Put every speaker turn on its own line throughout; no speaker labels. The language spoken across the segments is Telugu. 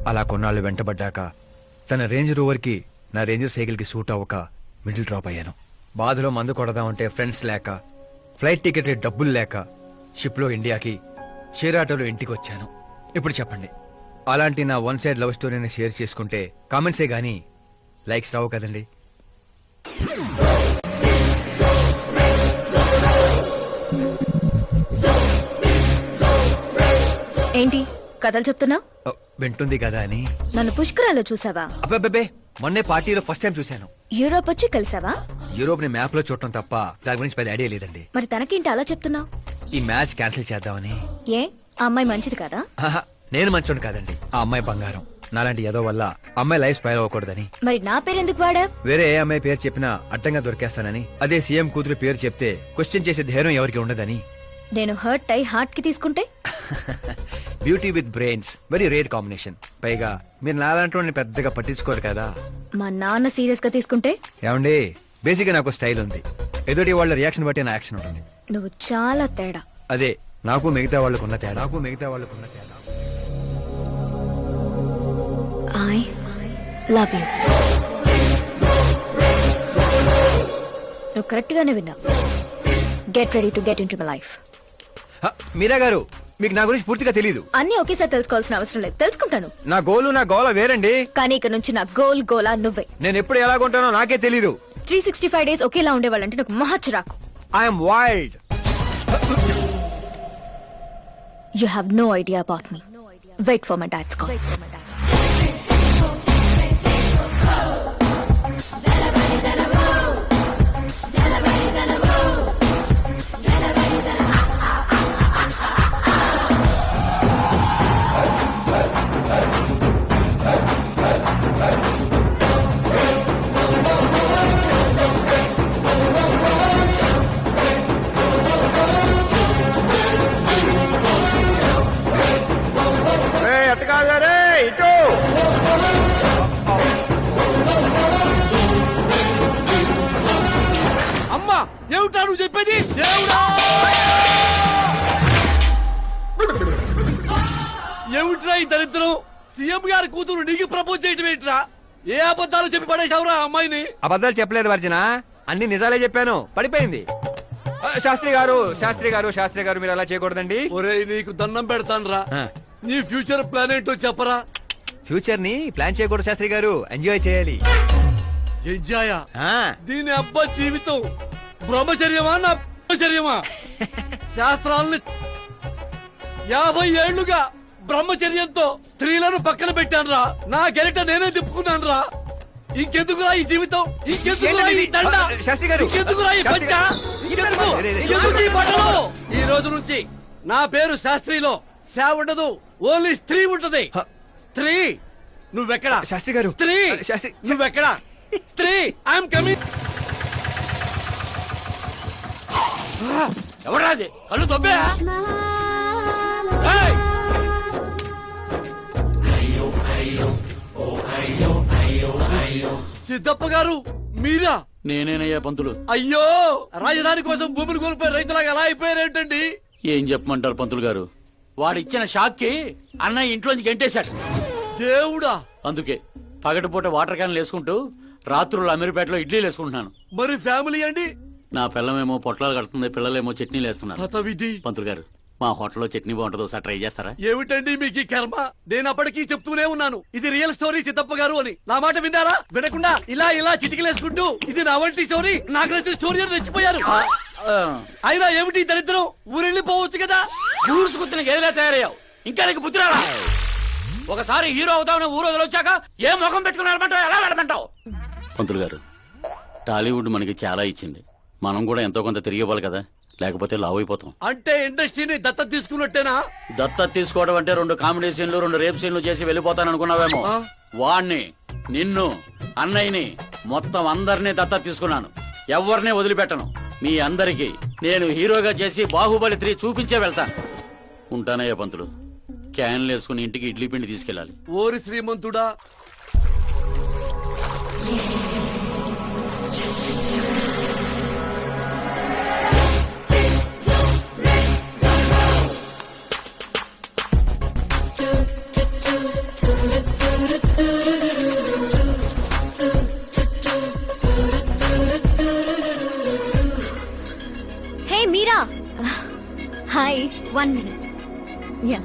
అలా కొన్నాళ్ళు వెంటబడ్డాక తన రేంజ్ రోవర్కి నా రేంజర్ సైకిల్కి సూట్ అవ్వక మిడిల్ డ్రాప్ అయ్యాను. బాధలో మందు కొడదామంటే ఫ్రెండ్స్ లేక, ఫ్లైట్ టికెట్ డబ్బులు లేక షిప్లో ఇండియాకి, షేర్ ఆటోలో ఇంటికి వచ్చాను. ఇప్పుడు చెప్పండి, అలాంటి నా వన్ సైడ్ లవ్ స్టోరీని షేర్ చేసుకుంటే కామెంట్సే గానీ లైక్స్ రావు కదండి.
ఏంటి కథలు చెప్తున్నావు?
వింటుంది కదా అని.
నన్ను పుష్కరాల్లో చూసావా?
అబ్బే, మొన్నే పార్టీలో ఫస్ట్ టైం చూశాను.
యూరోప్ వచ్చి కలిసావా?
యూరోప్ ని మ్యాప్ లో చూడటం తప్ప దాని గురించి పెద్ద ఐడియా లేదండి.
మరి తనకేంటి అలా చెప్తున్నావు?
ఈ మ్యాచ్ క్యాన్సిల్ చేద్దామని.
ఏ ఆ అమ్మాయి మంచిది కదా?
నేను మంచోడు కాదండి, ఆ అమ్మాయి బంగారం. నాలాంటి ఏదో వల్ల అమ్మాయి లైఫ్ స్పైల్ అవ్వకూడదని.
మరి నా పేరు ఎందుకు వాడా?
వేరే ఏ అమ్మాయి పేరు చెప్పినా అడ్డంగా దొరికేస్తానని. అదే సీఎం కూతురు పేరు చెప్తే క్వశ్చన్ చేసే ధైర్యం ఎవరికి ఉండదని.
నేను హర్ట్ అయి హార్ట్ కి తీసుకుంటే?
Beauty with brains very rare combination. పైగా మీరు నాలాంటి పెద్దగా పట్టించుకోరు కదా.
మా నాన్న సీరియస్ గా తీసుకుంటే?
ఏమండి, బేసిక్ గా నాకు స్టైల్ ఉంది. ఎదుటి వాళ్ళ రియాక్షన్ బట్టి నా యాక్షన్ ఉంటుంది.
నువ్వు చాలా తేడా.
అదే నాకు మిగతా వాళ్ళకున్న తేడా.
I love you. నువ్వు కరెక్ట్ గానే విన్నావు. Get ready to get into my life.
Meera గారు, మీకు నా గురించి పూర్తిగా తెలీదు.
అన్ని ఒకేసారి తెలుసుకోవాల్సిన అవసరం లేదు, తెలుసుకుంటాను.
నా గోల వేరండి.
కానీ ఇక నుంచి నా గోలా నువ్వే.
నేను ఎప్పుడు ఎలాగుంటానో నాకే తెలీదు.
365 days ఒకేలా ఉండేవాళ్ళంటే నాకు మహా చిరాకు.
I'm wild.
You have no idea about me. Wait for my dad's call.
అమ్మా ఏమిటా నువ్వు చెప్పేది? ఏమిట్రా ఈ దరిద్రం? సీఎం గారి కూతురు నీకు ప్రపోజ్ చేయటం ఏంట్రా? ఏ అబద్ధాలు చెప్పి పడేశావురా అమ్మాయిని?
అబద్ధాలు చెప్పలేదు వర్జన, అన్ని నిజాలే చెప్పాను. పడిపోయింది. శాస్త్రి గారు మీరు అలా చేయకూడదండి.
ఒరేయ్, నీకు దండం పెడతానురా. నీ ఫ్యూచర్ ప్లాన్ ఏంటో చెప్పరా?
ఫ్యూచర్ ని ప్లాన్ చేయకూడదు శాస్త్రి గారు, ఎంజాయ్ చేయాలి.
ఎంజాయ్? దీని అబ్బా జీవితం బ్రహ్మచర్యమా నా బ్రహ్మచర్యమా? శాస్త్రాలని 50 ఏళ్లుగా బ్రహ్మచర్యంతో స్త్రీలను పక్కన పెట్టానురా. నా గెరిట నేనే తిప్పుకున్నాను రా. ఇంకెందుకురా ఈ జీవితం? ఇంకెందుకురా ఈ దండ? ఇంకెందుకురా ఈ పంచ? ఎందుకు ఈ బట్టలు? ఈ రోజు నుంచి నా పేరు శాస్త్రిలో శా ఉండదు, ఓన్లీ స్త్రీ ఉంటది. స్త్రీ నువ్వెక్కడా?
శాస్త్రి గారు.
స్త్రీ నువ్వెక్కడా? స్త్రీ ఐఎమ్ కమింగ్. ఎవరాది? కళ్ళు తొబ్బే. సిద్ధప్ప గారు మీరా?
నేనేనయ్యా పంతులు.
అయ్యో, రాజధాని కోసం భూమిని కోల్పోయి రైతులాగా ఎలా అయిపోయారేంటండి?
ఏం చెప్పమంటారు పంతులు గారు, వాడిచ్చిన షాక్ కి అన్నయ్య ఇంట్లోంచి గెంటేశాడు.
దేవుడా!
అందుకే పగటిపూట వాటర్ క్యాన్లు వేసుకుంటూ రాత్రులు అమీర్పేటలో ఇడ్లీలు వేసుకుంటున్నాను.
మరి ఫ్యామిలీ అండి?
నా పిల్లమేమో పొట్లాలు కడుతుంది, పిల్లలేమో చట్నీలు వేస్తున్నారు.
హతవిధి.
పంతులు గారు, మా హోటల్లో చట్నీ బాగుంటుందో ఒకసారి ట్రై చేస్తారా?
ఏమిటండి మీకు ఈ కర్మ? నేను అప్పటికీ చెప్తూనే ఉన్నాను, ఇది రియల్ స్టోరీ సిద్ధప్ప గారు అని. నా మాట విన్నారా? వినకుండా ఇలా చిటికలేసుకుంటూ ఇది నా వంటి స్టోరీ, నాకు నచ్చిన స్టోరీ అని రెచ్చిపోయారు. అయినా ఏమిటి దరిద్రం? ఊరెళ్ళిపోవచ్చు కదా.
ఊరుసుకుతున్న గేదెలా తయారయ్యావు, ఇంకా నీకు బుద్ధి రాలా? ఒకసారి హీరో అవుతావు, ఊరు వదిలొచ్చాక ఏ ముఖం పెట్టుకుని వెళ్ళమంటావు, ఎలా వెళ్ళమంటావు? పంతులు గారు, టాలీవుడ్ మనకి చాలా ఇచ్చింది, మనం కూడా ఎంతో కొంత తిరిగివ్వాలి కదా, లేకపోతే లావ్ అయిపోతాం.
అంటే ఇండస్ట్రీని దత్తత తీసుకున్నట్టేనా?
దత్తత తీసుకోవడం అంటే 2 కామెడీ సీన్లు 2 రేప్ సీన్లు చేసి వెళ్ళిపోతాను అనుకున్నావేమో. వాణ్ణి, నిన్ను, అన్నయ్యని, మొత్తం అందరినీ దత్తత తీసుకున్నాను. ఎవరిని వదిలిపెట్టను. మీ అందరికి నేను హీరోగా చేసి బాహుబలి 3 చూపించే వెళ్తాను. ఉంటానయ్యా పంతులు. క్యాన్లు వేసుకుని ఇంటికి ఇడ్లీ పిండి తీసుకెళ్ళాలి.
ఓరి శ్రీమంతుడా!
1 minute. Yeah.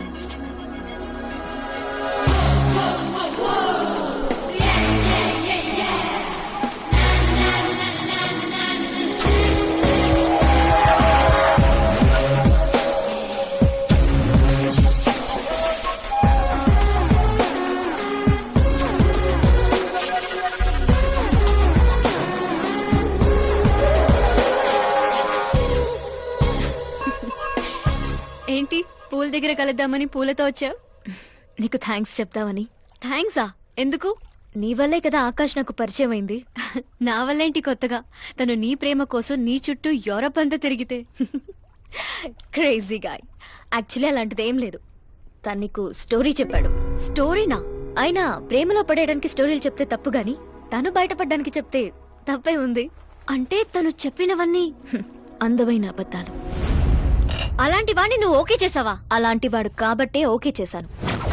ఏంటి పూల దగ్గర కలుద్దామని పూలతో వచ్చావు? నీకు థ్యాంక్స్ చెప్తావని. థ్యాంక్సా? ఎందుకు? నీ వల్లే కదా ఆకాష్ నాకు పరిచయం అయింది. నా వల్లేంటి కొత్తగా? తను నీ ప్రేమ కోసం నీ చుట్టూ యూరప్ అంతా తిరిగితే. Crazy guy. యాక్చువల్లీ అలాంటిది ఏం లేదు. తను నీకు స్టోరీ చెప్పాడు. స్టోరీనా? అయినా ప్రేమలో పడేయడానికి స్టోరీలు చెప్తే తప్పు గాని తను బయటపడడానికి చెప్తే తప్పే ఉంది. అంటే తను చెప్పినవన్నీ అందమైన అబద్ధాలు. అలాంటి వాడిని నువ్వు ఓకే చేసావా? అలాంటి వాడు కాబట్టే ఓకే చేశాను.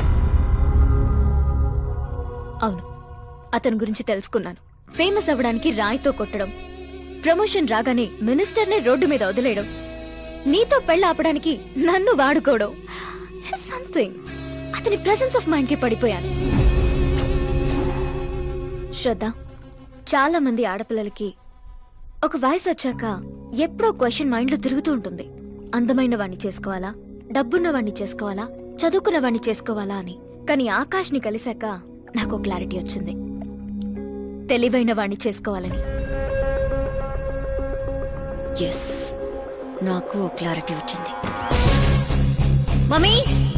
అవును, అతని గురించి తెలుసుకున్నాను. ఫేమస్ అవ్వడానికి రాయితో కొట్టడం, ప్రమోషన్ రాగానే మినిస్టర్నే రోడ్డు మీద వదిలేయడం, నీతో పెళ్ళ ఆపడానికి నన్ను వాడుకోవడం. సంథింగ్. అతని ప్రెసెన్స్ ఆఫ్ మైండ్ కి పడిపోయాను. శ్రద్ధ, చాలా మంది ఆడపిల్లలకి ఒక వయసు వచ్చాక ఎప్పుడో క్వశ్చన్ మైండ్ లో తిరుగుతూ ఉంటుంది. అందమైన వాణ్ణి చేసుకోవాలా, డబ్బున్న వాణ్ణి చేసుకోవాలా, చదువుకున్న వాణ్ణి చేసుకోవాలా అని. కానీ ఆకాష్ ని కలిశాక నాకు క్లారిటీ వచ్చింది. తెలివైన వాణ్ణి చేసుకోవాలని. ఎస్, నాకు క్లారిటీ వచ్చింది. మమ్మీ,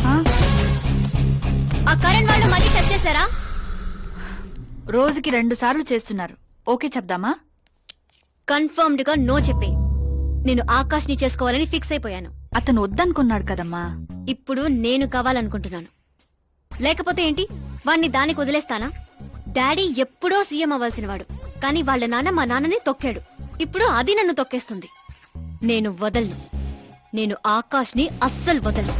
ఆ కరణ్ వాళ్ళు మళ్ళీ టచ్ చేశారా?
రోజుకి 2 సార్లు చేస్తున్నారు. ఓకే చెప్దామా?
కన్ఫర్మ్డ్ గా నో చెప్పే. నేను ఆకాష్ ని చేసుకోవాలని ఫిక్స్ అయిపోయాను.
అతను వద్దనుకున్నాడు కదమ్మా.
ఇప్పుడు నేను కావాలనుకుంటున్నాను. లేకపోతే ఏంటి, వాణ్ణి దానికి వదిలేస్తానా? డాడీ ఎప్పుడో సీఎం అవ్వాల్సిన వాడు, కానీ వాళ్ళ నాన్న మా నాన్నని తొక్కాడు. ఇప్పుడు అది నన్ను తొక్కేస్తుంది. నేను వదలను. నేను ఆకాష్ ని అస్సలు వదలను.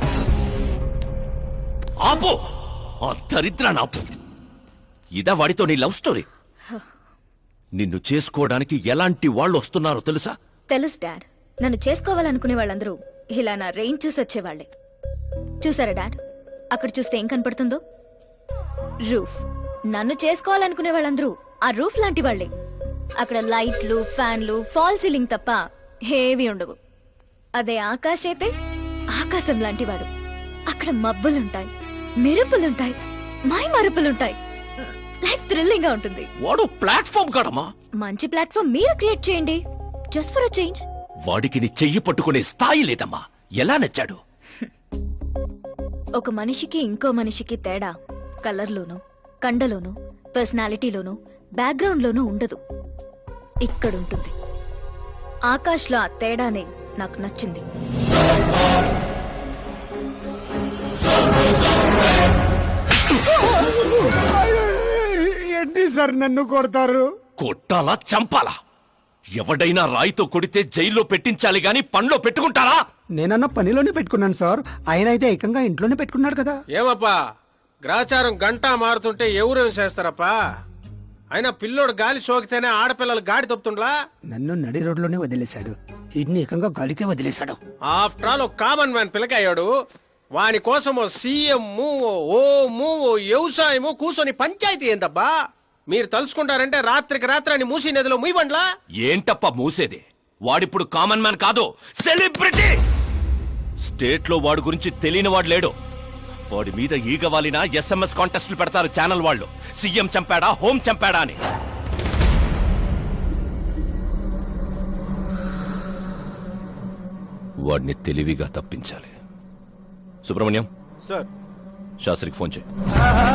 ఆపో, ఆ దరిద్రాన్ని ఆపు. ఇదా వాడితో నీ లవ్ స్టోరీ? నిన్ను చేసుకోవడానికి ఎలాంటి వాళ్ళు వస్తున్నారో తెలుసా?
తెలుసు డాడ్. నన్ను చేసుకోవాలనుకునే వాళ్ళందరూ ఇలా నా రేంజ్ చూసి వచ్చేవాళ్లే. చూసారా డాడ్, అక్కడ చూస్తే ఏం కనపడుతుందో? రూఫ్. నన్ను చేసుకోవాలనుకునే వాళ్ళందరూ ఆ రూఫ్ లాంటి వాళ్లే. అక్కడ లైట్లు, ఫ్యాన్లు, ఫాల్ సీలింగ్ తప్ప ఏవి ఉండవు. అదే ఆకాశ్ అయితే ఆకాశం లాంటి వాడు. అక్కడ మబ్బులుంటాయి, మెరుపులుంటాయి, మై మరుపులుంటాయి. లైఫ్ థ్రిల్లింగ్ గా ఉంటుంది.
వాడు ప్లాట్ఫామ్ కాడమ్మా.
మంచి ప్లాట్ఫామ్ మీరు క్రియేట్ చేయండి. Just for a change.
వాడికి నీ చెయ్యి పట్టుకునే స్థాయి లేదమ్మా. ఎలా నచ్చాడు?
ఒక మనిషికి ఇంకో మనిషికి తేడా కలర్లోనూ, కండలోనూ, పర్సనాలిటీలోనూ, బ్యాక్గ్రౌండ్ లోనూ ఉండదు. ఇక్కడుంటుంది. ఆకాష్ లో ఆ తేడానే నాకు నచ్చింది.
ఏంటి సార్ నన్ను కొడతారు?
కొట్టాలా, చంపాలా? ఎవడైనా రాయితో కొడితే జైల్లో పెట్టించాలి గాని పనిలో పెట్టుకుంటారా?
నేనన్న పనిలోనే పెట్టుకున్నాను సార్. ఆయన అయితే ఏకంగా ఇంట్లోనే పెట్టుకున్నాడు కదా.
ఏమప్పా, గ్రాచారం గంటా మారుతుంటే ఎవరేం చేస్తారప్పా? అయినా పిల్లోడు గాలి సోకితేనే ఆడపిల్లలు గాడి తప్పుతుండ్లా?
నన్ను నడి రోడ్లోనే వదిలేశాడు. ఇన్ని ఏకంగా గాలికే వదిలేశాడు.
ఆఫ్టర్ ఆల్ ఒక కామన్ మ్యాన్ పిల్లకయ్యాడు. వాని కోసం ఓ సీఎం, ఓ వ్యవసాయము కూర్చొని పంచాయతీ ఏందబ్బా? మీరు తలుచుకుంటారంటే రాత్రికి రాత్రాన్ని మూసి నదిలో ముయ్యబండ్లా?
ఏంటప్ప మూసేది? వాడిప్పుడు కామన్ మ్యాన్ కాదు, సెలబ్రిటీ. స్టేట్ లో వాడి గురించి తెలియని వాడు లేడు. వాడి మీద ఈగ వాలిన SMS కాంటెస్ట్లు పెడతారు ఛానల్ వాళ్ళు. సీఎం చంపాడా, హోం చంపాడా అని. వాడిని తెలివిగా తప్పించాలి. సుబ్రహ్మణ్యం,
సార్
శాస్త్రికి ఫోన్ చేయి.